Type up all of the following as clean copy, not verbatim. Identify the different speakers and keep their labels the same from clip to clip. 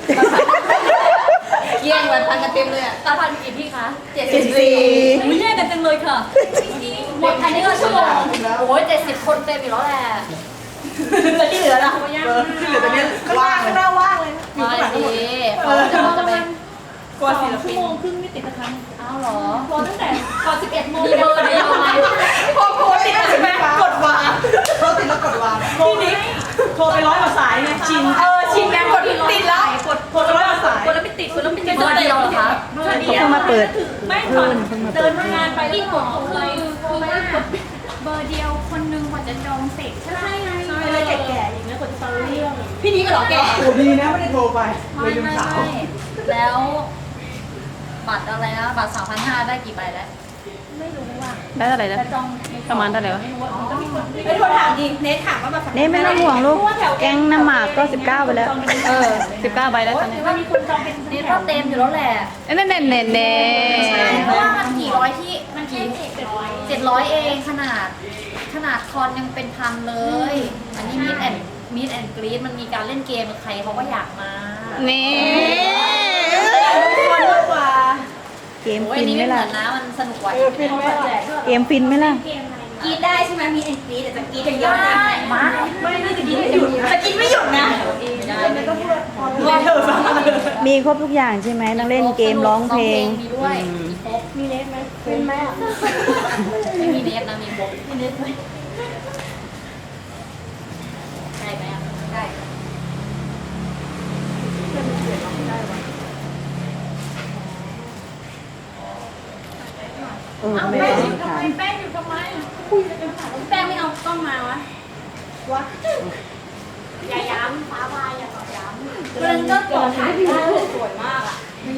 Speaker 1: แย่งวันพันกันเต็มเลยอ่ะ
Speaker 2: ตาพันกี่ที่คะ
Speaker 1: 74
Speaker 2: อุ้ยแย่งกันจังเลยค่ะหมดอันนี้ก็ชั่วโมงโอ้ย70 คนเต็มอยู่แล้วแหละ
Speaker 1: แล้วที่เหลือล่ะที่เหลือตอนนี้ว่างข้างหน้าว่างเลย
Speaker 2: มาดีเขาจะไป
Speaker 1: กว่าศิล
Speaker 3: ชั่
Speaker 1: ปิ
Speaker 3: วน โมงครึ่งไม่ติดสักครั้ง
Speaker 2: อ้าวเหรอ
Speaker 3: รอตั้งแต่ก่อน11 โมง
Speaker 2: มีเบอร์เดียวไหม
Speaker 1: พอโทรติดแล้วใช่ไหมกดวางโทรติดแล้วกดวางพี่นิกโทรไป100 กว่าสายไงชินชินไงกดติดแล้วกดโทรไป100 กว่าสาย
Speaker 3: คนแล้วไม่ติดคนแล้วไม่ติด
Speaker 2: เบอร์เดียวเหรอคะ
Speaker 3: เบอร์เดียวมาเปิดไม่ถอนเดินงานไปที่หอคือว่าเบอร์เดียวคนนึงกว่าจะจองเสร็จใช่ไหมอะไรแก่ๆอย่างเงี้ยกว่าจะฟังเรื่อง
Speaker 1: พี่นิกก็หรอแกโอ้ดีนะไม่ได้โทรไปเลยลืมสาว
Speaker 2: แล้วบัตรอะไรนะบัตร3,500ได้กี่ใบแล้ว
Speaker 3: ไม่รู้ว่า
Speaker 4: ได้เท่าไหร่แล้ว
Speaker 3: จะจอง
Speaker 4: ประมาณเท่าไหร่วะ
Speaker 3: ก็มีคน
Speaker 1: ไม่โทรถามดิเนทถามว่าแบบ
Speaker 4: นี่ไม่ต้องห่วงลูก แก๊งน้ำหมากก็19ไปแล้ว 19ใบแล้วตอนนี้
Speaker 3: ว่ามีคนจองเป็น
Speaker 2: นี่ก็เต็มอยู่แล้วแหละ
Speaker 4: เน่เน่เน่เน่
Speaker 2: เพราะว่ามันกี่ร้อยที่
Speaker 3: มันแค่
Speaker 2: 700เองขนาดคอนยังเป็นพันเลย อันนี้มีดแอนกรีดมันมีการเล่นเกมกับใครเขาก็อยากมา
Speaker 4: นี่
Speaker 1: คนมากกว่า
Speaker 4: เกม
Speaker 2: โอ้ย
Speaker 4: ฟิน
Speaker 2: นี่
Speaker 4: ไหม
Speaker 2: ไม่เหมื
Speaker 4: ล่ะ
Speaker 2: อนนะมันสนุกกว่า
Speaker 1: ฟินไหมล่ะ
Speaker 4: เกมฟินไหมล่ะ
Speaker 3: เกมอะไร
Speaker 1: กรีดได้ใช่ไหมมีเอ็นกรีดแต่จะกรีดอย่างเดียวนะ
Speaker 2: มา
Speaker 1: ไม่จะกรีดไม่หยุดจะกรีดไม่หยุดนะ
Speaker 2: ไม่ได้
Speaker 1: ว่าเธอฟัง
Speaker 4: มีครบทุกอย่างใช่ไหมต้องเล่นเกมร้องเพลง
Speaker 2: มีด้วยมีครบ
Speaker 3: มีเลสไหมเป็นไหมอ่ะ
Speaker 2: ไม่มีเนสนะมีครบมีเนสไหมได้ไหมอ่ะได้
Speaker 4: ไม่ต้องถาม
Speaker 3: แป้งอยู่ทำไมคุยกันถามแป้งไม่เอากล้องมาวะอย่าย้ำฟ้าบายอย่าต่อย้ำมันก็ต่อถ่ายได้สวยมากอ่ะ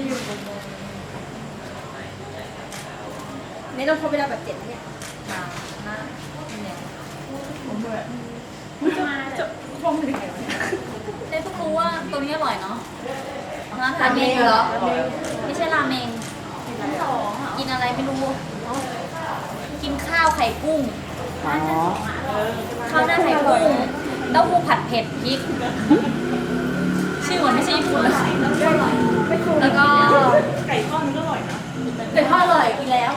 Speaker 1: เนทต้องโทรไปได้แบบ7เนี่ย
Speaker 2: มาหน้าเนี่ย
Speaker 3: มาจะ
Speaker 2: เนสเพิ่งรู้ว่าตัวนี้อร่อยเนาะร้านราเมงเหรอไม่ใช่ราเมงกินอะไรไม่รู้ กินข้าวไข่กุ้ง
Speaker 4: อ๋อ
Speaker 2: ข้าวหน้าไข่กุ้งเต้าหู้ผัดเผ็ดพริก ชื่อเหมือนไม่ใช่ญี่ปุ่นเลยแล้วก็
Speaker 1: ไก่ทอดมันก็อร่อยนะ
Speaker 2: ไก่ทอดอร่อยกินแล้ว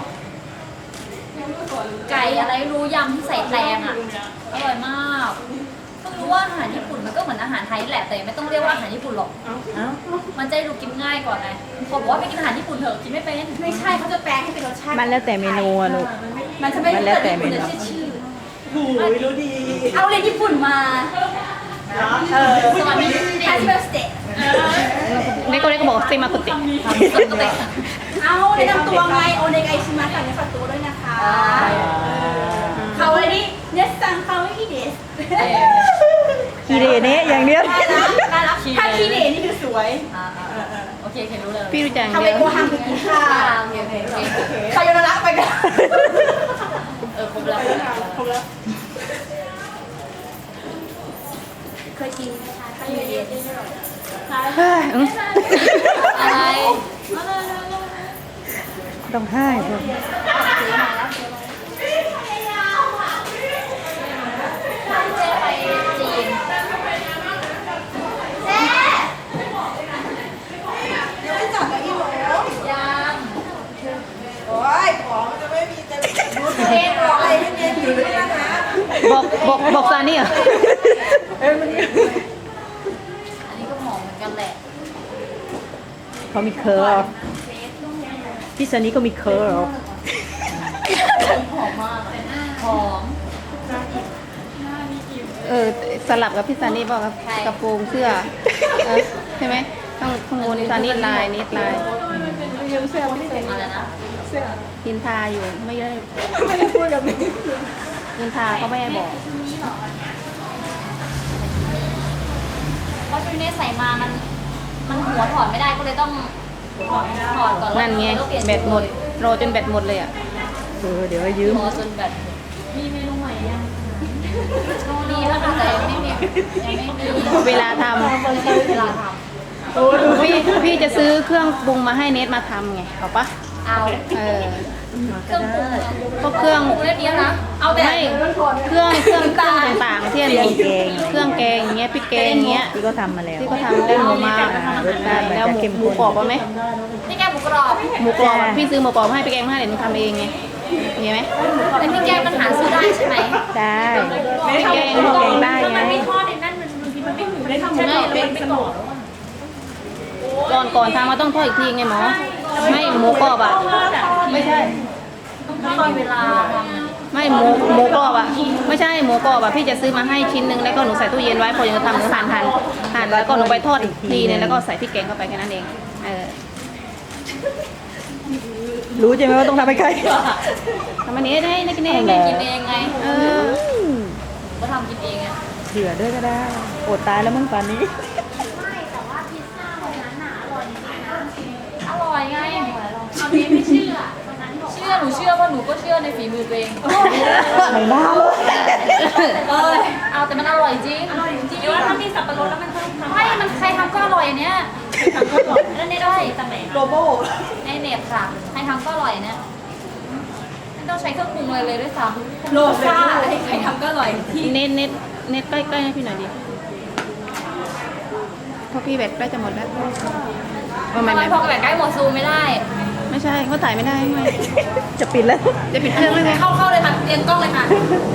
Speaker 2: ไก่อะไรไม่รู้ยำที่ใส่แตงอ่ะอร่อยมากเพิ่งรู้ว่าอาหารญี่ปุ่นมันก็เหมือนอาหารไทยแหละแต่ไม่ต้องเรียกว่าอาหารญี่ปุ่นหรอก
Speaker 4: เอ้า
Speaker 2: มันจะได้ดูกินง่ายกว่าไงคนบอกว่าไปกินอาหารญี่ปุ่นเถอะกินไม่เป็น
Speaker 1: ไม่ใช่เขาจะแปลงให้เป็นรสชาติ
Speaker 4: มันแล้วแต่เมนูอะลูก
Speaker 1: มันจะไม่
Speaker 4: มันแล้วแต่เมนู
Speaker 2: เดี๋ยวชื่อ
Speaker 1: หูยรู้ดี
Speaker 2: เอาเรียนญี่ปุ่นมา สวัสดี
Speaker 1: แฮปปี้เบิร์สเดย์
Speaker 4: นี่ก็บอกซิมากุติ
Speaker 2: ปกติ
Speaker 1: เอาแนะนำตัวไงโอเนกไอชิมะสั่งในฝักตัวด้วยนะคะเขาเลยนี่เนสซังเขาไม่กี่เดส
Speaker 4: คีเดเนะอย่างเดียว
Speaker 1: ได้นะได้รับถ้าขี้เดนี่คือสวย
Speaker 2: โอเครู้เลย
Speaker 4: พี่รู้จักอย่าง
Speaker 1: ทำ
Speaker 4: เดี
Speaker 1: ไป
Speaker 4: ยว
Speaker 1: โกฮังคือกินข้าว
Speaker 2: โอเคโอเค
Speaker 1: ใครโยนละไปกัน
Speaker 2: ครบแล้ว
Speaker 1: ครบแล้วเคยกินไหมคะข้าวเย็น
Speaker 4: เฮ้ยอื้อ
Speaker 2: อะไร
Speaker 4: ต้องให้พวก
Speaker 2: เจ๊ไปจีน
Speaker 1: ยังไม่จับกับอีโหล
Speaker 2: ยัง
Speaker 1: โอ้ยของจะไม่มีจะเล่นบอกอะไรให้เน้นอยู่ด้วยนะคะ
Speaker 4: บอกซานี่เหรอ
Speaker 2: อันนี้ก็หอมเหมือนกันแหละ
Speaker 4: เขามีเคอร์พี่ซานี่ก็มีเคอร์
Speaker 2: หอมมากหอม
Speaker 4: สลับกับพี่ซานี่บอกครับกระโปรงเสื้อใช่ไหมข้างบนซานี่ลายนิดลาย
Speaker 2: อะไรนะ
Speaker 4: ยินทาอยู่ไม่ได้
Speaker 1: ไม่ได้พูดกับนี้
Speaker 4: ยินทาก็ไม่ให้บอก
Speaker 2: เพราะชุดนี้ใส่มามันหัวถอดไม่ได้ก็เลยต้องถอดก่อน
Speaker 4: นั่นไง
Speaker 2: แล้วเปลี่ยน
Speaker 4: แบตหมดรอจนแบตหมดเลยอ่ะเดี๋ยวยืม
Speaker 2: รอจนแบบมีเมนูใหม่ยังมีแล้วค่ะแต่ยังไม่มี
Speaker 4: เวลาท
Speaker 2: เวลาท
Speaker 4: ำพี่จะซื้อเครื่องปรุงมาให้เนทมาทำไงเอาปะ
Speaker 2: ำเอา
Speaker 4: เออ
Speaker 2: เครื่องปรุง
Speaker 4: ก็เครื่อง
Speaker 2: ปรุงเรียบร้อยนะเอาแต่
Speaker 4: ไม่เครื่องต่างๆที่อันนี้เครื่องแกงอย่างเงี้ยพริกแกงอย่างเงี้ย
Speaker 5: ที่ก็ทำมาแล้ว
Speaker 4: ที่เขาทำได้หมูมาแล้วหมูกรอบเอาไหม
Speaker 2: พี่แกงหมูกรอบ
Speaker 4: หมูกรอบอะพี่ซื้อหมูกรอบมาให้พี่แกงมาให้เดี๋ยวหนูทำเองไงมีไหม
Speaker 2: แต่พี่แกงมันหาซื้อได้ใช่ไหม
Speaker 5: ได้
Speaker 4: พี่แกง
Speaker 5: แกงได้
Speaker 3: ถ้า
Speaker 5: ไง
Speaker 3: มันไม่ทอดในนั่นมันบางทีมันไม่หมูได้ทำไม่ได้แล้วมันไม่กรอบ
Speaker 4: ก่อนทำมาต้องทอดอีกทีไงหมอไม่หมูกรอบอ่ะไม่ใช่
Speaker 2: ไม่มีเวลาทำ
Speaker 4: ไม่หมูกรอบอ่ะไม่ใช่หมูกรอบอ่ะพี่จะซื้อมาให้ชิ้นนึงแล้วก็หนูใส่ตู้เย็นไว้พอยังทำหนูหั่นแล้วก็หนูไปทอดอีกทีนึงแล้วก็ใส่พริกแกงเข้าไปแค่นั้นเอง
Speaker 5: รู้ใช่ไหมว่าต้องทำให้ใคร
Speaker 4: ทำอันนี้ได้กินเอง
Speaker 5: เหรอ
Speaker 2: กินเองไง ก็ทำกินเองไง
Speaker 5: เผื่อด้วยก็ได้อดตายแล้วมึงป่านนี้
Speaker 2: อร่อยไง
Speaker 3: เอานี้ไม่เชื่อตอนนั้นบอก
Speaker 2: เชื่อหนูเชื่อว่าหนูก็เชื่อในฝีมือตัวเอง
Speaker 5: ไม่น่าเลย
Speaker 2: เอาแต่มันอร่อยจริง
Speaker 3: อร่อยจริงๆว่าถ้ามีสับปะรดแล้วมันต้องทำ
Speaker 2: ไม่มันใครทำก็อร่อยอันเนี้ย
Speaker 3: ทำก็อร่อยแล้วในได้ตำแหน่ง
Speaker 1: โลโบ
Speaker 2: ในเน็ตค่ะใครทำก็อร่อยเนี่ยไม่ต้องใช้เครื่องปรุงเลยด้วยซ้ำ
Speaker 3: โลซ่าให้ใครทำก็อร่อยที่
Speaker 4: เน็ตใกล้ๆให้พี่หน่อยดิเพราะพี่แบตใกล้จะหมดแล้ว
Speaker 2: ทำไมพอแบบใกล้หมดซูมไม่ได้
Speaker 4: ไม่ใช่เขาถ่ายไม่ได้ไง
Speaker 5: จะปิดแล้ว
Speaker 4: จะปิดเครื่องแล้วไง
Speaker 2: เข้าเลยค่ะเรียงกล้องเลยค่ะ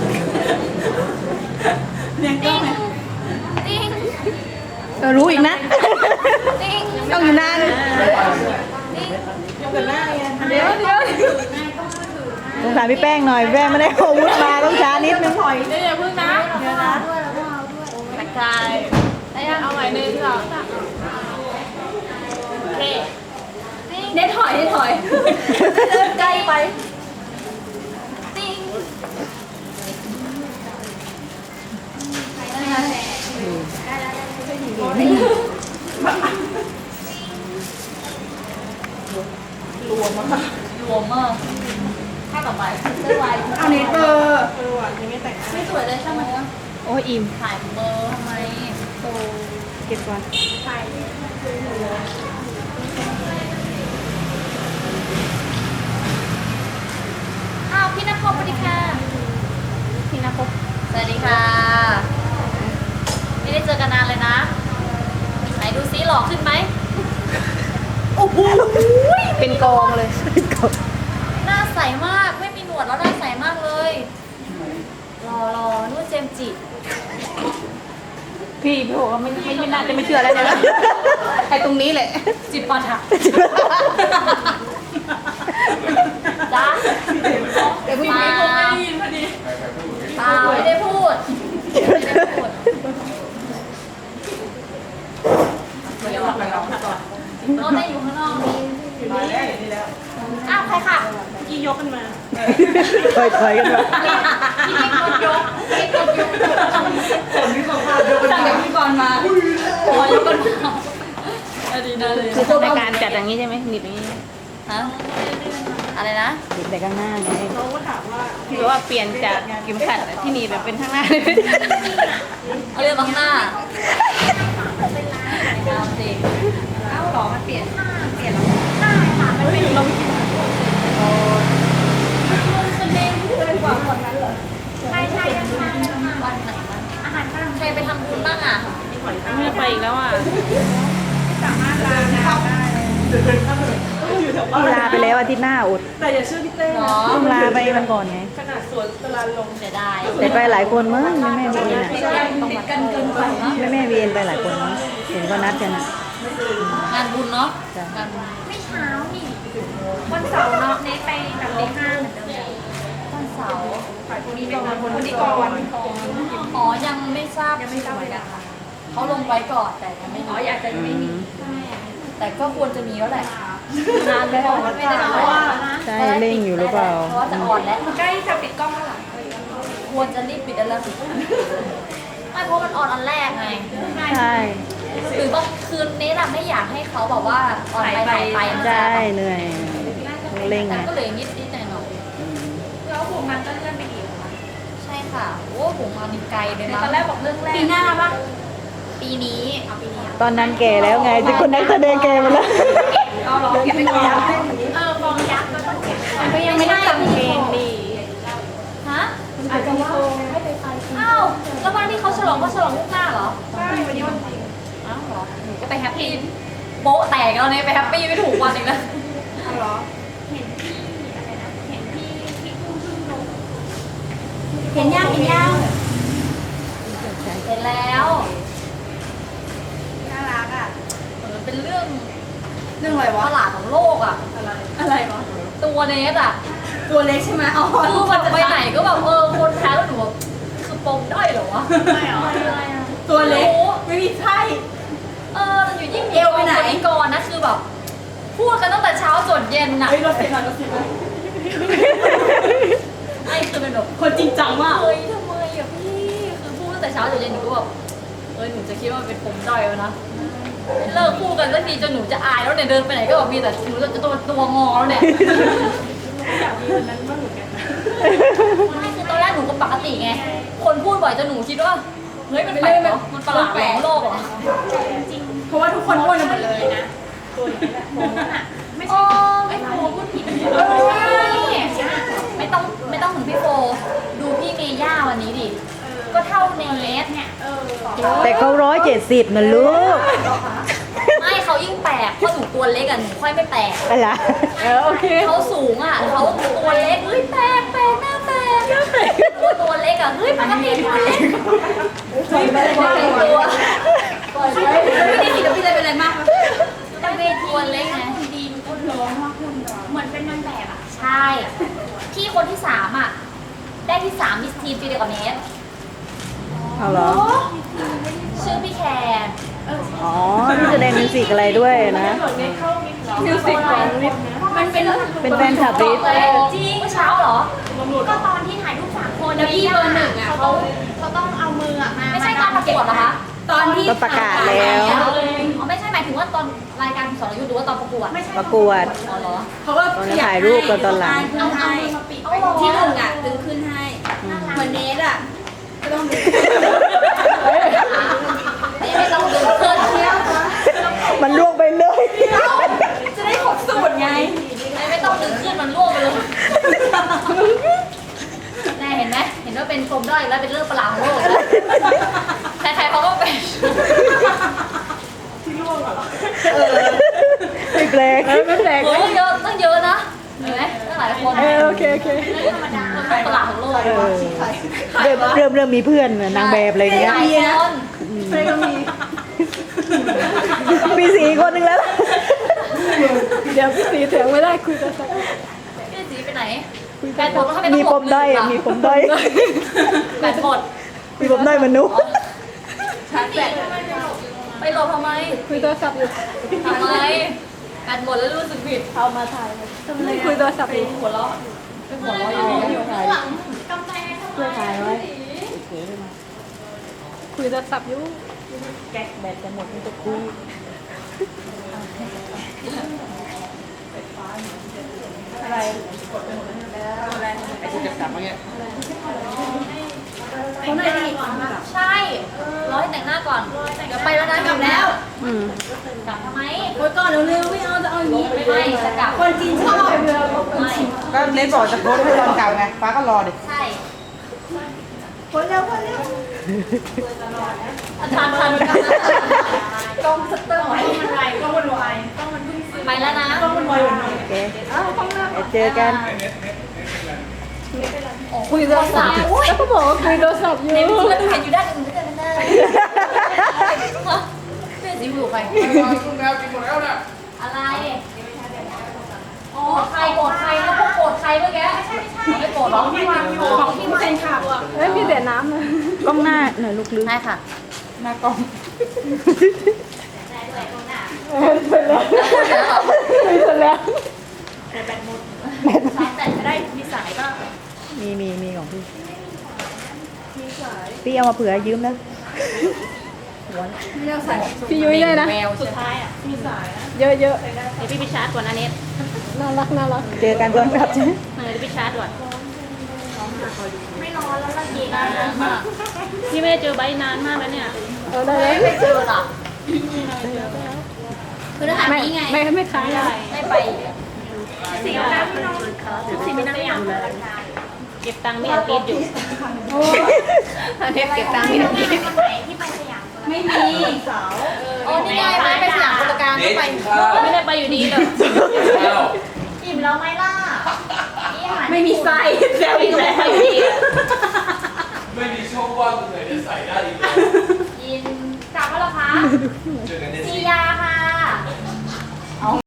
Speaker 1: เนี่ยก็
Speaker 2: ติ้งติ้ง
Speaker 5: รู้อีกนะ
Speaker 2: ติ้ง
Speaker 5: ต้องอยู่นาน
Speaker 2: ติ้ง
Speaker 1: ยกกันหน้าไง
Speaker 2: เดี๋ยว
Speaker 5: สงสารพี่แป้งหน่อยพี่แป้งไม่ได้อาวุธมาต้องช้านิดนึง
Speaker 1: ถอย
Speaker 3: เดี๋ยวพึ่งนะ
Speaker 2: เดี๋ยวนะด้วยแล้วก็เอาด้วยตะกายได้ยังเอาใหม่หนึ่งสองสามโอเคเน้นถอยเดินไกลไปติ้งได้แล้วรวมมากถ้าต่อไปเสื้อลาย
Speaker 1: เอาเน็ตเบอร์ว่ะยังไม่แต่ง
Speaker 2: ไม่สวยเลยใช่ไหม
Speaker 4: โอ้ยอิ่ม
Speaker 2: ถ่ายเบอร์ทำไม
Speaker 5: เก็บก่อน
Speaker 2: อ้าวพี่นภพสวัสดีค่ะ
Speaker 4: พี่นะพบ
Speaker 2: สวัสดีค่ะ ไม่ได้เจอกันนานเลยนะ ไหนดูซิหล่อขึ้นไหม
Speaker 4: เป็นกองเลย
Speaker 2: หน้าใสมาก ไม่มีหนวดแล้วหน้าใสมากเลยรอนู่นเจมส์จิ
Speaker 4: พี่บอกว่าไม่น่าจะไม่เชื่อแล้วเนี่ยไอ้ตรงนี้แหละ
Speaker 2: จิบปาถะจ้า
Speaker 3: เดี๋ยวพึ่งไม่คงไม่ได้ยินพอดี
Speaker 2: เปล่าไม่ได้พูดไม่ได้พูดเดี๋ยวไปลองก่อนน้องได้อยู่ข้างนอกนี่
Speaker 1: มาแล้วอย่างนี้แล้ว
Speaker 2: อ้าวใครค่ะ
Speaker 1: กี่ยกกันมา
Speaker 5: ถอยกันมา
Speaker 2: พี่เอกยกพี่เอกยก
Speaker 1: คนที่เขาพาเดิน
Speaker 2: สั่งจากพี่กรณ์มาขอยกกันมาดีนะเลย
Speaker 4: คือในการจัดอย่างนี้ใช่ไหมหนีบอย่างนี้
Speaker 2: ฮะอะไรนะ
Speaker 5: ติดแต่ข้างหน้าไง
Speaker 1: เขาก็ถามว่า
Speaker 4: พี่บอกว่าเปลี่ยนจากเข็มขัดที่หนีบแบบเป็นข้างหน้าเลย
Speaker 2: เอาเรื่องข้างหน้าเอาสิ
Speaker 3: เอาหรอมันเปลี่ยนเปลี่ยนแล้วได้ค่ะมันเป็นลมใช่ใช่ยังทาน
Speaker 2: วันไหนบ้าง
Speaker 3: อาหารฝรั่ง
Speaker 2: ใครไปทำบุญบ้างอ่ะ
Speaker 4: ไม่ไปอีกแล้วอ่ะ
Speaker 3: สามารถลาน้ำได้
Speaker 1: ต้องอยู่แถวบ้าน
Speaker 5: พี่ลาไปแล้วอาทิตย์หน้าอด
Speaker 1: แต่อย่าเชื่อพี่เต้
Speaker 2: หร
Speaker 1: นะ
Speaker 2: อ
Speaker 5: ต้องลาไปวันก่อนไง
Speaker 1: ขนาดสวนตลาดลง
Speaker 2: เสียดาย
Speaker 5: แต่ไปหลายคนมั้งแม่วีเอ็นอ่ะ
Speaker 2: ติดกันเกินไปเนาะ
Speaker 5: แม่วีเอ็นไปหลายคนมั้งเห็นก็นัดกันอ่ะ
Speaker 2: งานบุญเนาะ
Speaker 5: จ้ะ
Speaker 2: งานบุญ
Speaker 3: ไม่เช้านี่วันเสาร์เนาะเนไปแบบตีห้าเหมือนเดิม
Speaker 2: วันเสาร์
Speaker 3: ฝ่ายคนนี้ก่อนคนนี้ก่อน
Speaker 2: อ๋อยังไม่ทราบยังไม่ทราบเลยค่ะเขาลงไว้ก่อนแต่ยังไม่
Speaker 3: อ๋อ
Speaker 2: รู้
Speaker 3: อยากจะไม่มี
Speaker 2: แต่ก็ควรจะมีแล้วแหละนานแล้วไม่ได้นานว่า
Speaker 5: ใช่เร่งอยู่หรือเปล่า
Speaker 2: เพราะว่าจะอ่อนแล้ว
Speaker 3: ใกล้จะปิดกล้องแล้วล่ะ
Speaker 2: ควรจะรีบปิดแล้วสิไม่เพราะมันอ่อนอันแรกไง
Speaker 5: ใช่
Speaker 2: หรือบางคืนนี้เราไม่อยากให้เขาแบบว่าอ่อนไปหายไปนะ
Speaker 5: ใช่เหนื่อยเร่ง
Speaker 2: แต่
Speaker 5: ไง
Speaker 2: ก็เหลือนิดนิดหน่อยหน่อย
Speaker 3: แล้วผมมันก็เลื่อนไปอีก
Speaker 2: ใช่ค่ะโอ้ผมมาดีไกลเลยนะ
Speaker 3: ตอนแรกบอกเรื่องแรก
Speaker 2: ปีหน้าปะปีนี้เอาปีนี้
Speaker 5: ตอนนั้นแก่แล้วไงจะคนนักแสดงแก่หมดแล้ว
Speaker 3: เอาหรอเก็บไปก่อนฟองยักษ์ก็ต้องเก็บ
Speaker 2: มันก็ยังไม่ได้เพลงดีฮะ
Speaker 3: อาจจะว่า
Speaker 2: อ้าวแล้ววันที่เขาฉลลองว่าฉลองลูกหน้าเหรอใช่วันนี้วันจริงอ้าวเหรอหนูก็ไปแฮปปี้โป๊ะแตกแล้วเนี่ยไปแฮปปี้ไม่ถูกวันอีกแล้ว
Speaker 3: เหรอเห็นพี่อะไรนะเห็นพี่กุ้งพึ่งลง
Speaker 2: เห็นยังเห็นยังเห็นแล้ว
Speaker 1: น่ารักอ่ะ
Speaker 2: มันเป็นเรื่อง
Speaker 1: เรื่องอะไร
Speaker 2: ป
Speaker 1: วะ
Speaker 2: ระหลาดของโลกอ่ะ
Speaker 1: อะไรวะ
Speaker 2: ตัวเนสอ่ะ
Speaker 1: ตัวเล็กใช่ไหมอ๋อ
Speaker 2: คือแบบไปไหนก็แบบคนแพ้แล้วหนูแบบคือปมด้อยเหรอวะไม่หรออะไรอ่ะ
Speaker 1: ตัวเล็กไม่มีไส้
Speaker 2: แต่อยู่ยิ่งเอวไปไหนก่อนนะคือแบบพูดกันตั้งแต่เช้าจนเย็นน่ะ
Speaker 1: เฮ้ยรถเสียงรถเสียง
Speaker 2: ไอ้คือเป็นแบบ
Speaker 1: คนจริงจังมาก
Speaker 2: เฮ้ยทำไมอ่ะพี่คือพูดตั้งแต่เช้าจนเย็นหนูก็แบบหนูจะคิดว่ามันเป็นปมด้อยแล้วนะเลิกพูดกันสักทีจนหนูจะอายแล้วเนี่ยเดินไปไหนก็แบบมีแต่หนูจะตัวงอแล้วเนี่ย
Speaker 3: อยากมีวันนั้นบ้างเหมือนกันนะ
Speaker 2: ไม่คือตอนแรกหนูก็ปกติไง คนพูดบ่อยจนหนูคิดว่า เฮ้ยมันแปลกเหรอมันประหลาดของโลกเหรอ
Speaker 3: จริง
Speaker 1: เพราะว่าทุกคนอ้วนกันหมดเลย
Speaker 3: นะตัวนี้แหละโมนั่นอ่ะไม่
Speaker 2: โอ้
Speaker 3: ใช่
Speaker 2: ไม่
Speaker 3: ไอ้โมพูดผิด
Speaker 2: ไม่ต้องถึงพี่โฟ ดูพี่เมย่าวันนี้ดิ ก็เท่าเนส
Speaker 3: เนี่ย
Speaker 5: แต่เขา170นะลูก
Speaker 2: ไม่เขายิ่งแปลกเพราะหนูตัวเล็กอ่ะหนูค่อยไม่แปลก
Speaker 5: อะไร
Speaker 1: โอเค
Speaker 2: เขาสูงอ่ะเขาตัวเล็กเฮ้ยแปลกหน้าแปลกตัวเล็กอ่ะเฮ้ยปกติตัวเล็กเฮ้ยไม่ได้ตัวไม่ได้ผิดพี่เลยเป็นอะไรมากแต่เวทีตัวเล็กไง
Speaker 3: ดีมันก็ร้องว่าคุณเหมือนเป็นนางแบบอ่ะ
Speaker 2: ใช่ พี่คนที่3อ่ะ ได้ที่3มิสทีมปีเดียวกับเนส
Speaker 5: เอาเหรอ
Speaker 2: ชื่อพี่แคร์
Speaker 5: อ๋อที่แสดงมิวสิกอะไรด้วยนะ
Speaker 1: มิวสิกของลิฟ
Speaker 2: มันเป็น
Speaker 5: เป็นแฟนคลับลิฟ
Speaker 2: จริงเมื่อเช้าเหรอ
Speaker 3: ก็ตอนที่ถ่ายรูป3 คน
Speaker 2: แล้วพี่เบอร์1อ่ะเขา
Speaker 3: เขาต้องเอามืออ่ะมา
Speaker 2: ไม่ใช่ตอนประกวดเหรอคะ
Speaker 1: ตอนที่
Speaker 5: ก็ประกาศแล้ว
Speaker 2: อ๋อไม่ใช่หมายถึงว่าตอนรายการสรยุทธ์หรือว่าตอนประกวด
Speaker 3: ไม่ใช่
Speaker 5: ประกวด
Speaker 2: อ๋อเหรอ
Speaker 1: เขาก็
Speaker 5: ตอนถ่ายรูปกันตอนหลัง
Speaker 3: เอามือมาปิด
Speaker 1: ที่1อ่ะดึงขึ้นให้เหมือนเนสอ่ะก็ต้องดึง
Speaker 2: ไม่ต้องดึงเพื่อนเที่ยว
Speaker 5: มันล่วงไปเลย
Speaker 1: จะได้ครบสูตรไง
Speaker 2: ไม่ต้องดึงขึ้นมันร่วงไปเลยแน่เห็นไหมเห็นว่าเป็นปมด้อยแล้วเป็นเรื่องประหลาดของโลกใครๆเขาก็เป็น
Speaker 5: ไม่แปลกไม่แปลก
Speaker 2: เฮ้ยเยอะตั้งเยอะนะเห็นไหมตั้งหลายคน
Speaker 5: โอเค
Speaker 2: ธรรมดาเป็นประหลาดของโลก
Speaker 5: เริ่มมีเพื่อนนางแบบอะไรอย่างเงี้ย
Speaker 2: หลายคน
Speaker 1: เฟรก็มี
Speaker 5: มี4 คนนึงแล้ว
Speaker 1: เดี๋ยวพี่สีเถียงไม่ได้คุยกันสัก
Speaker 2: พี่สีไปไหนแบตหมดแล้วเขาไม่
Speaker 5: มี
Speaker 2: ต้อง
Speaker 5: ปมด้อยมีปมด้อย
Speaker 2: แบตหมด
Speaker 5: มีปมด้อยมนุษย์
Speaker 1: ชาร์จแบต
Speaker 2: ไปโหลดทำไม
Speaker 1: คุยโทรศัพท์อยู่
Speaker 2: ทำไมแบตหมดแล้วรู้สึกผิด
Speaker 1: คุยโทรศัพท์อยู่
Speaker 2: หัวเราะเป็นหัวเราะอยู่
Speaker 3: ข้างหลังกำแพงทำไม
Speaker 5: ถ่ายไว้
Speaker 1: คุยโทรศัพท์อยู่
Speaker 5: แก๊กแบตจะหมดมันจะคุย
Speaker 1: อะไร
Speaker 3: เขาหน่อยดิ
Speaker 2: ใช่รอให้แต่งหน้าก่อนเดี๋ยวไปแล้วนะกลับแล้ว
Speaker 5: อืม
Speaker 2: กลับทำไม
Speaker 1: โอ้ยก่อนเร็วๆไม่เอาจะเอาอย่างนี้
Speaker 2: ไม่จะกลับ
Speaker 1: คนจีนชอบ
Speaker 2: ไม่
Speaker 6: ก็เน้นบอกจะโพสต์ให้ตอนกลับไงฟ้าก็รอดิ
Speaker 2: ใช่
Speaker 1: คนเร็วคนเร็ว
Speaker 2: ทัน
Speaker 1: กล้องสเตอร์ไว้
Speaker 3: มันไวก็วนไวก็มันเพิ่งซื้อ
Speaker 2: ไปแล้วนะ
Speaker 1: กล้องมันไวอยู่หน่อย
Speaker 5: โอเคเดี๋ยวเจอกัน
Speaker 2: คุยโทรศัพท์
Speaker 1: แล้วก็บอกว่าคุยโทรศัพท์อยู่
Speaker 2: เห็นเพื่อนเห็นอยู่ด้านอื่นก็จะไม่ได้เพื่อนสีหูใครอะไรอ๋อใครโกรธใครนะพวกโกรธใครเมื่อกี้ไม่โกรธหรอ
Speaker 3: ที่วางอยู่ของที่มันขับ
Speaker 1: เฮ้ยพี่เสียน้ำเลย
Speaker 5: กล้องหน้าหน่อยลูกลึก
Speaker 2: ใช่ค่ะ
Speaker 6: หน้ากล้อง
Speaker 1: เสร็จแล้ว
Speaker 2: แต่จะได้มีสายก็
Speaker 5: มีของพี่พี่เอามาเผื่อยืมนะ
Speaker 1: พี่ยุ้ยเลยนะ
Speaker 2: แววสุดท้ายอ่ะ
Speaker 1: เยอะ
Speaker 4: เดี๋ยวพี่ไปชาร์จก่อนนะเน็ต
Speaker 1: ๆน่ารักน่ารัก
Speaker 5: เจอกันก่อนครับใช่ไหม
Speaker 4: เดี๋ยวพี่ชาร์จก่อน
Speaker 2: ไม่นอนแล้วละเย็น
Speaker 4: นานมากพี่ไม่ได้เจอใบนานมากแล้วเนี่ย
Speaker 1: เอาได้แล้ว
Speaker 2: ไม่เจอหรอคือถ้าหา
Speaker 1: ไม่
Speaker 2: นี้ไง
Speaker 1: ไม่ค้างได้
Speaker 2: ไม่ไป
Speaker 3: สีน้ำพี่น้องสีไม่น้ำอย่าง
Speaker 4: เกก็บตังค์ไม่อันติดอยู่เทปเก็บตังค์ไม่อันติด
Speaker 3: วันไหนที่ไปสยาม
Speaker 1: ไม่มีสาว
Speaker 2: โอ้นี่ไงไปสยามกุลการ
Speaker 7: เด็
Speaker 2: ก็
Speaker 7: ก
Speaker 2: ไป
Speaker 7: กินข้าว
Speaker 4: ไม่ได้ไปอยู่ดีเลย
Speaker 7: ข้าว
Speaker 3: อิ่มแล้วไหมล่ะนี่อาหาร
Speaker 1: ไม่มีไส้แซวอีกแล้ว
Speaker 4: ไปอยู่ดีอะ
Speaker 7: ไม่มีช่องว่างตรงไหนจะใส่ได้อีกเลย
Speaker 3: กินกลับแล้วเหรอคะ
Speaker 7: เจอกันใน
Speaker 3: ซี
Speaker 7: ซี
Speaker 3: ยาค่ะ